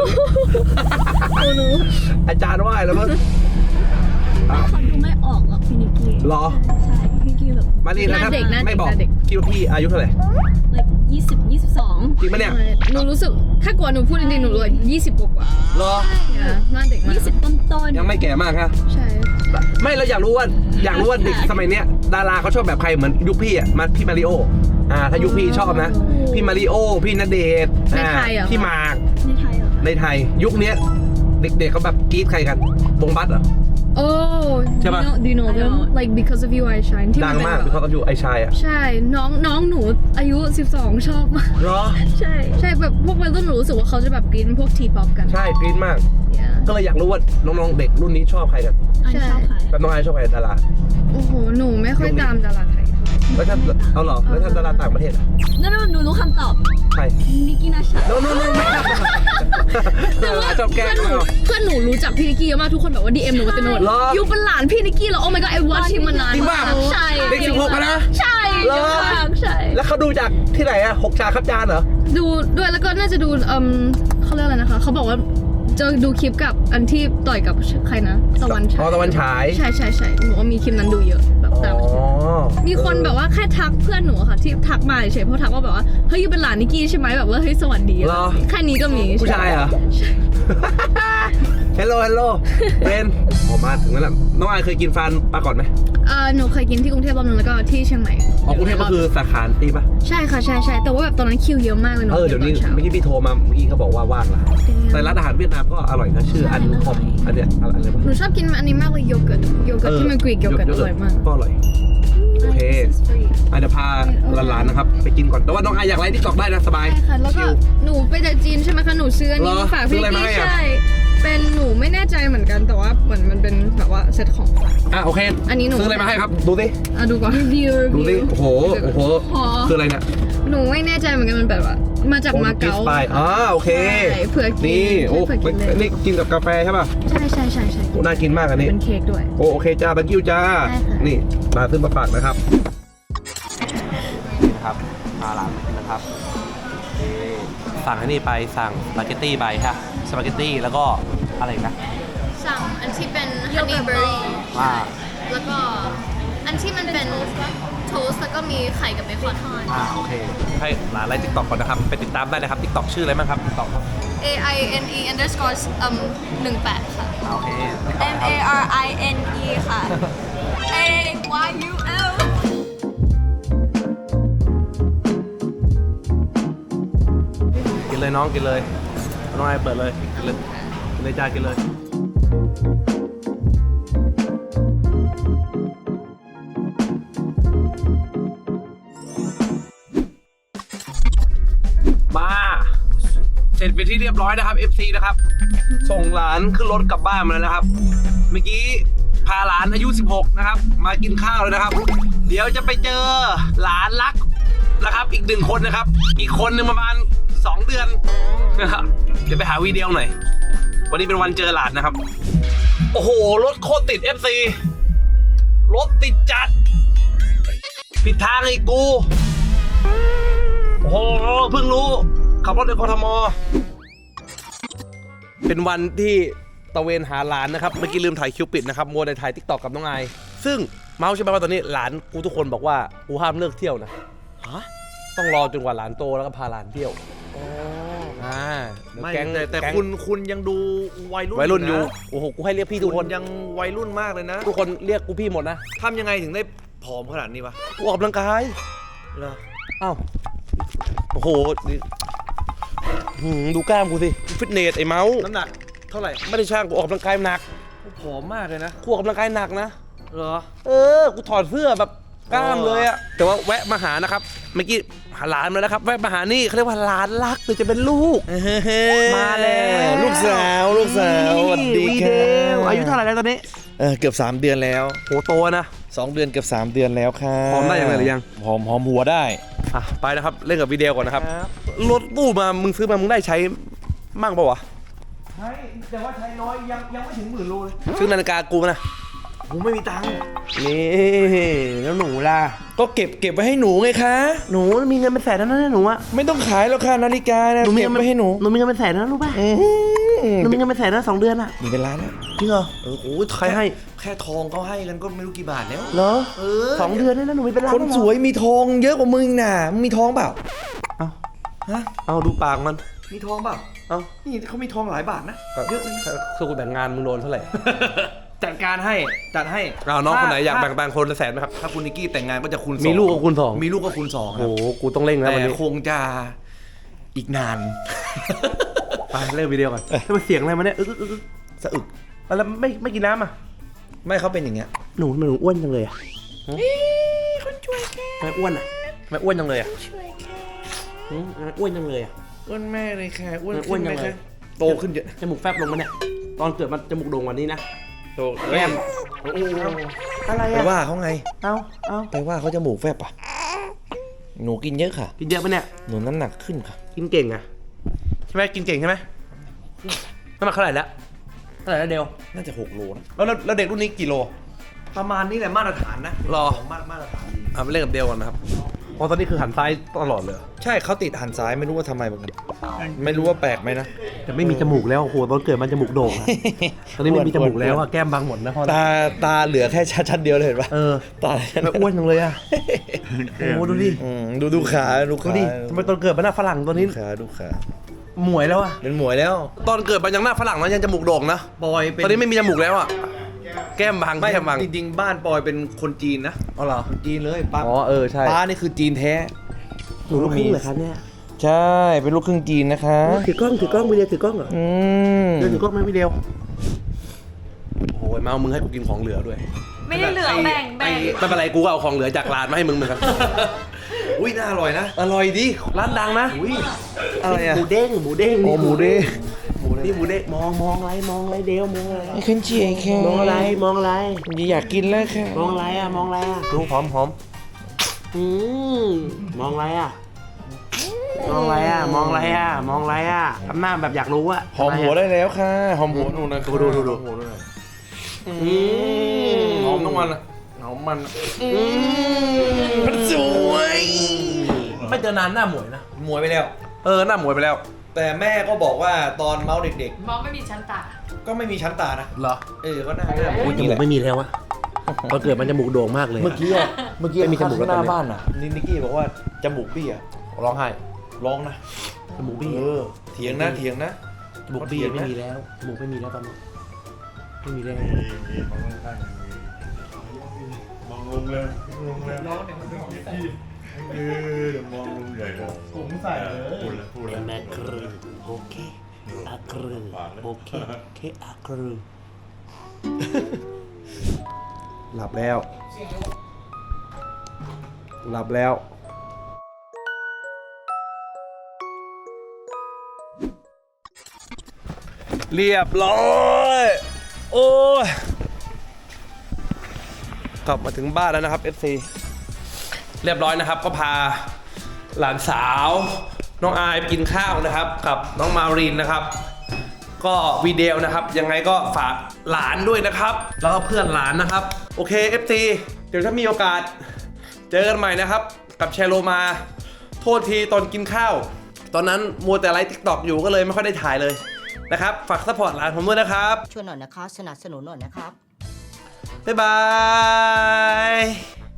[SPEAKER 1] อาจารย์ไหว้แล้วมั้ง
[SPEAKER 3] เขาดูไม่ออกหรอกพี่นิกกี้
[SPEAKER 1] เหรอ
[SPEAKER 3] ใช่พี่นิกกี้แบบ
[SPEAKER 1] มานี่นะครับ
[SPEAKER 2] หน้าเด็กหน้าเด็ก
[SPEAKER 1] ไม่บอก
[SPEAKER 2] หน้าเด็ก
[SPEAKER 1] คิดว่าพี่อายุเท่าไหร่
[SPEAKER 3] like ยี่สิบ ยี่สิบสอง
[SPEAKER 1] จริงปะเนี่ย
[SPEAKER 2] หนูรู้สึกถ้ากว่าหนูพูดจริงๆหนูเลยยี่สิบกว่า
[SPEAKER 1] เหรอ
[SPEAKER 2] ๆหน้าเด็กมาก
[SPEAKER 3] ยี่สิบต้นต้น
[SPEAKER 1] ยังไม่แก่มากฮะ
[SPEAKER 2] ใช่
[SPEAKER 1] ไม่เราอยากรู้ว่าอยากรู้ว่าเด็กสมัยเนี้ยดาราเขาชอบแบบใครเหมือนยุคพี่อ่ะมาพี่มาริโออ่าถ้ายุคพี่ชอบนะพี่มาริโอพี่ณเดชน์อ่าพี่หมาก
[SPEAKER 3] ในไทยเหรอ
[SPEAKER 1] ในไทยยุคเนี้ยเด็กๆเขาแบบกรี๊ดใครกันวงบัสเหรอ
[SPEAKER 2] โอ้
[SPEAKER 1] ใช่ปะ
[SPEAKER 2] do you know them like because of you I shine ที่
[SPEAKER 1] ดั
[SPEAKER 2] น
[SPEAKER 1] ง
[SPEAKER 2] เป็น
[SPEAKER 1] มาก
[SPEAKER 2] แบบ
[SPEAKER 1] เขาก็อยู่ไอชายอ่ะ
[SPEAKER 2] ใช่น้องน้องหนูอายุสิบสองชอบมาก
[SPEAKER 1] เหรอ
[SPEAKER 2] ใช่ใช่แบบพวกวัยรุ่นหนูรู้สึกว่าเขาจะแบบกรี๊ดพวกทีป๊อปกัน
[SPEAKER 1] ใช่กรี๊ดมาก
[SPEAKER 2] Yeah
[SPEAKER 1] ก็เลยอยากรู้ว่าน้องๆเด็กรุ่นนี้ชอบใครกัน
[SPEAKER 3] อันนี้ชอบใคร
[SPEAKER 1] แบบน้องไอชอบใครดารา
[SPEAKER 2] โอ้โหหนูไม่ค่อยตามดาราไทยเท่าไหร่
[SPEAKER 1] แล้วถ้าเอาเหรอแล้วถ้าดาราต่างประเทศอ่ะ
[SPEAKER 3] นั่นหนูรู้คำตอบ
[SPEAKER 1] ใคร
[SPEAKER 3] นิกกี้นาชา
[SPEAKER 1] โน้โน้โน้ไม่ได้ดาราชอบแกล้
[SPEAKER 2] เพื่
[SPEAKER 1] ง
[SPEAKER 2] อนหนู
[SPEAKER 1] เรา
[SPEAKER 2] เพื่อนหนูรู้จักพี่นิกกี้เยอะมากทุกคนแบบว่า ดี เอ็ม หนูมาเต็มไปหมด
[SPEAKER 1] เหรอ
[SPEAKER 2] ยูเป็นหลานพี่นิกกี้เหรอ Oh my god I watch him มานาน
[SPEAKER 1] จริงป่ะ
[SPEAKER 2] ใช่
[SPEAKER 1] เด็กสิบหกอะนะ
[SPEAKER 2] ใช่
[SPEAKER 1] เหรอ
[SPEAKER 2] เยอะมากใช่
[SPEAKER 1] แล้วเขาดูจากที่ไหนอะหกชาครับจานเหรอ
[SPEAKER 2] ดูด้วยแล้วก็น่าจะดูเอ่มเขาเรียกอะไรนะคะเขาบอกว่าจะดูคลิปกับอันที่ต่อยกับใครนะตะวันฉา
[SPEAKER 1] อ๋อย ตะวันฉาย
[SPEAKER 2] ใช่ใช่ใช่หนูว่ามีคลิปนั้นดูเยอะแบบ
[SPEAKER 1] อ๋
[SPEAKER 2] ตาม
[SPEAKER 1] อ
[SPEAKER 2] มีคนแบบว่าแค่ทักเพื่อนหนูอะค่ะที่ทักมาเฉยๆเพราะทักว่าแบบว่าเฮ้ยยูเป็นหลานนิกกี้ใช่ไหมแบบว่าเฮ้ยสวัสดี
[SPEAKER 1] เหรอ
[SPEAKER 2] แค่นี้ก็มี
[SPEAKER 1] ผู้ชายเหรอ ฮัลโหลฮัลโหลเป็นออกมาถึงแล้วแหละน้องไอเคยกินฟานปลาก่อนไหม
[SPEAKER 2] เออหนูเคยกินที่กรุงเทพรอบนึงแล้วก็ที่เชียงใหม่
[SPEAKER 1] อ๋อกรุงเทพก็คือสาขาตีปะ
[SPEAKER 2] ใช่ค่ะใช่ใช่แต่ว่าแบบตอนนั้นคิวเยอะมากเลยหนู
[SPEAKER 1] เออเดี๋ยวนี้
[SPEAKER 2] กิตอช้า
[SPEAKER 1] เมื่อกี้พี่โทรมาเมื่อกี้เขาบอกว่าว่างละแต่ร้านอาหารเวียดนามก็อร่อยนะชื่ออันคอมอันเนี้ยอะไรอะไร
[SPEAKER 2] หนูชอบกินอันนี้มากเลยโยเกิร์ตโยเกิร์ตที่มันกรีกโยเกิร์ตอร่อยมาก
[SPEAKER 1] ก็อร่อยโอเคอาจจะพาหลานๆนะครับไปกินก่อนแต่ว่าน้องไออยากไลฟ์ที่ตอกได้นะสบาย
[SPEAKER 2] ใช่ค่ะแล้วก็
[SPEAKER 1] ชิล
[SPEAKER 2] หนูไปจากจีนใช่ไหมคะหนูซื้ออันนี้
[SPEAKER 1] เหรอ
[SPEAKER 2] มาฝาก
[SPEAKER 1] ซื้อ
[SPEAKER 2] พี่
[SPEAKER 1] อะไรมา
[SPEAKER 2] กี้
[SPEAKER 1] ให้อะ
[SPEAKER 2] ใช่เป็นหนูไม่แน่ใจเหมือนกันแต่ว่าเหมือนมันเป็นแบบว่าเซตของฝาก
[SPEAKER 1] อ่ะโอเค
[SPEAKER 2] อันนี้หนู
[SPEAKER 1] ซื้ออะไรมาให้ครับดูสิ
[SPEAKER 2] อ่ะดูก่อนรีวิว
[SPEAKER 1] ดูสิโอ้โหโอ้โห
[SPEAKER 2] พอ
[SPEAKER 1] คืออะไรเนี่ย
[SPEAKER 2] หนูไม่แน่ใจเหมือนกันมันแบบว่ามาจากมาเก๊า
[SPEAKER 1] ไปอ่าโอเค
[SPEAKER 2] ใช่เผื่อกิน
[SPEAKER 1] นี่โอ้
[SPEAKER 2] เผื่อกินเลย
[SPEAKER 1] นี่กินกับกาแฟใช่ป่ะ
[SPEAKER 2] ใช่ใช่ใช่ใช่
[SPEAKER 1] โอ้น่ากินมากอันนี้
[SPEAKER 2] เป็นเค้กด้วย
[SPEAKER 1] โอโอเคจ้าตะกิ้วจ้า
[SPEAKER 2] ได้ค่ะ
[SPEAKER 1] นี่มาซื้อมาฝากนะครับนี่นะครับพาหลานมากินนะครับนี่สั่งอันนี้ไปสั่งสปาเกตตี้ไปฮะสปาเกตตี้แล้วก็อะไรอีกนะ
[SPEAKER 5] สั่งอันที่เป็นฮันนี่เบอร์รี่
[SPEAKER 1] ว่า
[SPEAKER 5] แล้วก็อันที่มันเป็นโทสต์แล้วก็มีไข่กับเบคอนทอด
[SPEAKER 1] อ่าโอเคให้หลานไลฟ์ติ๊กต็อกก่อนนะครับไปติดตามได้นะครับติ๊กต็อกชื่ออะไรบ้างครับติ๊กต็อกครับ
[SPEAKER 5] A I N E underscore อืมหนึ่งแปดค่ะ
[SPEAKER 1] อ่าโอเค
[SPEAKER 3] M A R I N E ค่ะ A Y U L
[SPEAKER 1] กินเลยน้องกินเลยน้องไอเปิดเลยกินเลยกินเลยจ้ากินเลยมาเสร็จไปนที่เรียบร้อยนะครับ เอฟ ซี นะครับ ส่งหลานขึ้นรถกลับบ้านมาแล้วนะครับ เมื่อกี้พาหลานอายุสิบหกนะครับ มากินข้าวเลยนะครับ เดี๋ยวจะไปเจอหลานรักนะครับ อีกหนึ่งคนนะครับ อีกคนหนึ่งประมาณสองเดือนนะครับเดี๋ยวไปหาวีเดีโอหน่อย วันนี้เป็นวันเจอหลานนะครับ โอ้โห รถโคตรติด เอฟ ซี รถติดจัด ผิดทางอีกกู โอ้โห เพิ่งรู้ ขับรถในกทม เป็นวันที่ตะเวนหาหลานนะครับ เมื่อกี้ลืมถ่ายคิวปิดนะครับมัวในถ่ายทิกตอกกับน้องไอซึ่งเมาส์ใช่ไหมว่าตอนนี้หลานกูทุกคนบอกว่ากูห้ามเลิกเที่ยวนะ
[SPEAKER 6] ฮะ
[SPEAKER 1] ต้องรอจนกว่าหลานโตแล้วก็พาหลานเที่ยวอ่าเดี๋ยว
[SPEAKER 6] ไม่
[SPEAKER 1] แก๊ง
[SPEAKER 6] แต่แต่
[SPEAKER 1] ก๊ง
[SPEAKER 6] คุณคุณยังดูวัยรุ่น
[SPEAKER 1] วัยรุ่นอยู่
[SPEAKER 6] ะ
[SPEAKER 1] โอ้โห กูให้เรียกพี่ทุก
[SPEAKER 6] คุ
[SPEAKER 1] คน
[SPEAKER 6] ณยังวัยรุ่นมากเลยนะ
[SPEAKER 1] ทุกคนเรียกกูพี่หมดนะ
[SPEAKER 6] ทำยังไงถึงได้ผอมขนาดนี้วะ
[SPEAKER 1] กูออกกำลังกาย
[SPEAKER 6] เหรอ
[SPEAKER 1] อ้าว โอ้โหนี่หืมดูกล้ามกูสิ ฟิตเนสไอ้เมาส์
[SPEAKER 6] น้ำหนักเท่าไหร่
[SPEAKER 1] ไม่ได้ช่างกูออกกำลังกายหนัก
[SPEAKER 6] ผอมมากเลยนะ
[SPEAKER 1] กูออกกำลังกายหนักนะ
[SPEAKER 6] เหรอ
[SPEAKER 1] เออ กูถอดเสื้อแบบกล้ามเลยอะแต่ว่าแวะมาหานะครับ เมื่อกี้หาหลานมาแล้วครับ แวะมาหานี่เขาเรียกว่าหลานรักหรือจะเป็นลูก มาแล้ว
[SPEAKER 6] ลูกสาวลูกสาวสวัสดีครั
[SPEAKER 1] วีเว
[SPEAKER 6] บ
[SPEAKER 1] อายุเท่าไหร่แล้วตอนนี้
[SPEAKER 6] เออเกือบสามเดือนแล้ว
[SPEAKER 1] โหโตนะ
[SPEAKER 6] สองเดือนเกือบสามเดือนแล้วครับ
[SPEAKER 1] ผอมได้ยังไงหรือยัง
[SPEAKER 6] ผอมหอมหัวได้
[SPEAKER 1] อ่ะไปนะครับ เล่นกับวิดีโอก่อนนะครับ รถตู้มา มึงซื้อมา มึงได้ใช้มั่งปะวะ
[SPEAKER 6] ใช่แต่ว่าใช้น้อยยังยังไม่ถึงหมื่นโลเลย
[SPEAKER 1] ซื้อนาฬิกากูมานะ
[SPEAKER 6] ผมไม่มีตังค์
[SPEAKER 1] นี่แล้วหนูล่ะ
[SPEAKER 6] ก็เก็บเก็บไว้ให้หนูไงคะ
[SPEAKER 1] หนูมีเงินเป็นแสนแล้วนะหนูอะ
[SPEAKER 6] ไม่ต้องขายแล้วค่ะนาฬิกานะเก็บไว้ให้หนู
[SPEAKER 1] หนูมีเงินเป็นแสนแล้วรู้ป่ะหนูมีเงินเป็นแสนแล้วสองเดือนอะ
[SPEAKER 6] มีเป็นล้านแล้ว
[SPEAKER 1] จริงเหรอ
[SPEAKER 6] เออโอ้
[SPEAKER 1] ใครให้
[SPEAKER 6] แค่ทองเขาให้กันก็ไม่รู้กี่บาทแล้ว
[SPEAKER 1] เหรอ
[SPEAKER 6] เออ
[SPEAKER 1] สองเดือนได้แล้วหนูมีเป็นล้าน
[SPEAKER 6] คน
[SPEAKER 1] แล้เหรอ
[SPEAKER 6] สวยมีทองเยอะกว่ามึงน่ะมึงมีทองเปล่า
[SPEAKER 1] เอา
[SPEAKER 6] ฮะ
[SPEAKER 1] เอาดูปากมัน
[SPEAKER 6] มีทองเปล่า
[SPEAKER 1] เอ้า
[SPEAKER 6] นี่เขามีทองหลายบาทนะ เยอะเลยนะ
[SPEAKER 1] คือกูแต่งงานมึงโดนเท่าไหร่
[SPEAKER 6] จัดการให้จัดให้
[SPEAKER 1] อ้าวน้องคนไหนอยากแบ่ง
[SPEAKER 6] ถ้
[SPEAKER 1] ปันคนละแสนไหมครับ
[SPEAKER 6] ถ้าคุณนิกกี้แต่งงานก็จะคูณสอง
[SPEAKER 1] มีลูกก็คูณสอง
[SPEAKER 6] มีลูกก็คูณสองค
[SPEAKER 1] โอ้
[SPEAKER 6] รับ
[SPEAKER 1] โหกูต้องเร่งแล้ว
[SPEAKER 6] แต่
[SPEAKER 1] วันนี้
[SPEAKER 6] คงจะอีกนาน
[SPEAKER 1] ไปเริ่มวิดีโอก่อนแล้วมันเสียงอะไรมาเนี่ยอึกอึกอึก
[SPEAKER 6] สะอึก
[SPEAKER 1] แล้วไม่ไม่กินน้ำอ่ะ
[SPEAKER 6] ไม่เขาเป็นอย่างเงี้ย
[SPEAKER 1] หนูทำไมหนูอ้วนจังเลยอ่ะคนช่วยแค่ไม่อ้วนอ่ะไม่อ้วนจังเลยอ่ะหืมทำไมอ้วนจังเลยอ่ะ
[SPEAKER 6] อ้วนแม่เลยค่ะอ้วน
[SPEAKER 1] อ้วนจังเลย
[SPEAKER 6] โตขึ้นเยอะ
[SPEAKER 1] จมูกแฟบลงมาเนี่ยตอนเกิดมันจมูกโด่งกว่านี้นะ
[SPEAKER 6] โต
[SPEAKER 1] แก้มอะไร
[SPEAKER 6] ไป
[SPEAKER 1] อ่ะ
[SPEAKER 6] ว่าเขาไง
[SPEAKER 1] เอาเอา
[SPEAKER 6] ไปว่าเขาจมูกแฟบอ่ะหนูกินเยอะค่ะ
[SPEAKER 1] กินเยอะปะเนี่ย
[SPEAKER 6] หนูน้ำหนักขึ้นค่ะ
[SPEAKER 1] กินเก่งอ่ะใช่ไหมกินเก่งใช่ไหมน้ำหนักเท่าไหร่แล้วเท่าไหร่แล้วเดียว
[SPEAKER 6] น่าจะหกโลนะ
[SPEAKER 1] แล้วแล้วแล้วเด็กรุ่นนี้กี่โล
[SPEAKER 6] ประมาณนี้แหละมาตรฐานนะ
[SPEAKER 1] รอ
[SPEAKER 6] ของมามาตรฐานดี
[SPEAKER 1] อ่ะไปเล่นกับเดียวก่อนนะครับเพราะตอนนี้คือหันซ้ายตลอดเลย
[SPEAKER 6] ใช่เขาติดหันซ้ายไม่รู้ว่าทำไมเหมือนกันไม่รู้ว่าแปลกไหมนะ
[SPEAKER 1] แต่ไม่มีจมูกแล้วโอ้โหตอนเกิดมันจมูกโด่งอะ ตอนนี้ไม่มีจมูกแล้วอะแก้มบางหมดนะพ่อ
[SPEAKER 6] ตาตาเหลือแค่ชั้นเดียวเลยเห็นปะ
[SPEAKER 1] เออ
[SPEAKER 6] ตา
[SPEAKER 1] ไม่อ้วนจังเลยอะโอ้โหดูดิ
[SPEAKER 6] อืมดูดูขาดู
[SPEAKER 1] ดู
[SPEAKER 6] ขา
[SPEAKER 1] ดิทำไมตอนเกิดมันหน้าฝรั่งตัวนี้
[SPEAKER 6] ดูขาดูขา
[SPEAKER 1] หมวยแล้วอะ
[SPEAKER 6] เป็นหมวยแล้ว
[SPEAKER 1] ตอนเกิดมันยังหน้าฝรั่งนะยังจมูกโด่งนะ
[SPEAKER 6] ปอยเป็น
[SPEAKER 1] ตอนนี้ไม่มีจมูกแล้วอะแก้มบาง
[SPEAKER 6] ไม่
[SPEAKER 1] แก้มบาง
[SPEAKER 6] จริงๆบ้านปอยเป็นคนจีนนะ
[SPEAKER 1] อ๋อเหรอ
[SPEAKER 6] คนจีนเลยป้า
[SPEAKER 1] อ๋อเออใช่
[SPEAKER 6] ป้านี่คือจีนแท้
[SPEAKER 1] หนูลูกครึ่งเหรอครับเนี่ย
[SPEAKER 6] ใช่เป็นลูกครึ่งจีนนะคะ
[SPEAKER 1] ถือกล้องถือกล้องวิดีโอถือกล้องเหรอ
[SPEAKER 6] อืม
[SPEAKER 1] เดินถือกล้องไหมวิดีโอโอ้ยมาเอามึงให้กูกินของเหลือด้วย
[SPEAKER 5] ไม่ได้เหลือแบ่งแบ่ง
[SPEAKER 1] ไม่เป็นไรกูก็เอาของเหลือจากร้านมาให้มึงเหมือนกัน
[SPEAKER 6] อุ้ยน่าอร่อยนะ
[SPEAKER 1] อร่อยดิร้านดังนะ
[SPEAKER 6] อุ้ยอะไรอะ
[SPEAKER 1] หมูเด้งหมูเด้ง
[SPEAKER 6] โอ้หมูเด้ง
[SPEAKER 1] นี่หมูเด้งมองมองอะไรมองอะไรเดียวมองอะไร
[SPEAKER 6] ไม่ขึ้นเจียแค่
[SPEAKER 1] มองอะไรมองอะไร
[SPEAKER 6] อยากกินแล้วค่ะ
[SPEAKER 1] มองอะไรอ่ะมองอะไรอ่ะดูหอมหอมอืมมองอะไรอ่ะมองอะไรอ่ะมองอะไรอ่ะมองอะไรอ่ะทำหน้าแบบอยากรู้อ่ะ
[SPEAKER 6] หอมหัวได้แล้วค่ะหอมหัวหนูนะ
[SPEAKER 1] ดูดูดูดู
[SPEAKER 6] หอมหัวด้วย
[SPEAKER 1] อืม
[SPEAKER 6] หอมทั้งวันอะหอมมันมันสวย
[SPEAKER 1] ไม่เจอนานหน้าหมวยนะ
[SPEAKER 6] หมวยไปแล้ว
[SPEAKER 1] เออหน้าหมวยไปแล้ว
[SPEAKER 6] แต่แม่ก็บอกว่าตอนเมาส์เด็ก
[SPEAKER 5] มองไม่มีชั้นตา
[SPEAKER 6] ๆ ก็ไม่มีชั้นตานะ
[SPEAKER 1] เหรอ
[SPEAKER 6] เออก็หน้าหน้า
[SPEAKER 1] โอ้ยจมูกไม่มีแล้วอะตอนเกิดมันจมูกโด่งมากเลย
[SPEAKER 6] เมื่อกี้อะเมื่อกี้
[SPEAKER 1] ไม่มีจมูกแล้ว
[SPEAKER 6] ห
[SPEAKER 1] ตอน
[SPEAKER 6] น้า
[SPEAKER 1] นี้
[SPEAKER 6] บ้านอ่ะนี่นิกกี้บอกว่าจมูกบี้อ่ะ
[SPEAKER 1] ร้องไห้
[SPEAKER 6] ร้องนะ
[SPEAKER 1] จมูกบี้
[SPEAKER 6] เออเถียงนะเถียงนะ
[SPEAKER 1] จมูกบี้ไม่มีแล้วจมูกไม่มีแล้วตอนนี้ไม่มีแล้ว
[SPEAKER 7] มองลงเลยลงเลยน้องเนี่ยมันเป็นของที่เออเดี๋ยวมองลงใหญ่เลยผมใส่เลยพูดแล้วพูดแล้ว
[SPEAKER 1] แม่ครูโอเคอาครูโอเคเคอาครูหลับแล้ว หลับแล้ว เรียบร้อย โอ้ย กลับมาถึงบ้านแล้วนะครับ เอฟ ซี เรียบร้อยนะครับ ก็พาหลานสาว น้องอายไปกินข้าวนะครับ กับน้องมารินนะครับ ก็วีดีโอนะครับ ยังไงก็ฝากหลานด้วยนะครับ แล้วก็เพื่อนหลานนะครับ โอเค เอฟ ซี เดี๋ยวถ้ามีโอกาส เจอกันใหม่นะครับ กับแชร์โลมา โทษทีตอนกินข้าว ตอนนั้นมัวแต่ไลฟ์ ติ๊กต็อก อยู่ก็เลยไม่ค่อยได้ถ่ายเลยนะครับ ฝากซัพพอร์ตหลานผมด้วยนะครับ
[SPEAKER 8] ช่วยหน่อยนะคะ สนับสนุนหน่อยนะครับ
[SPEAKER 1] บ๊ายบาย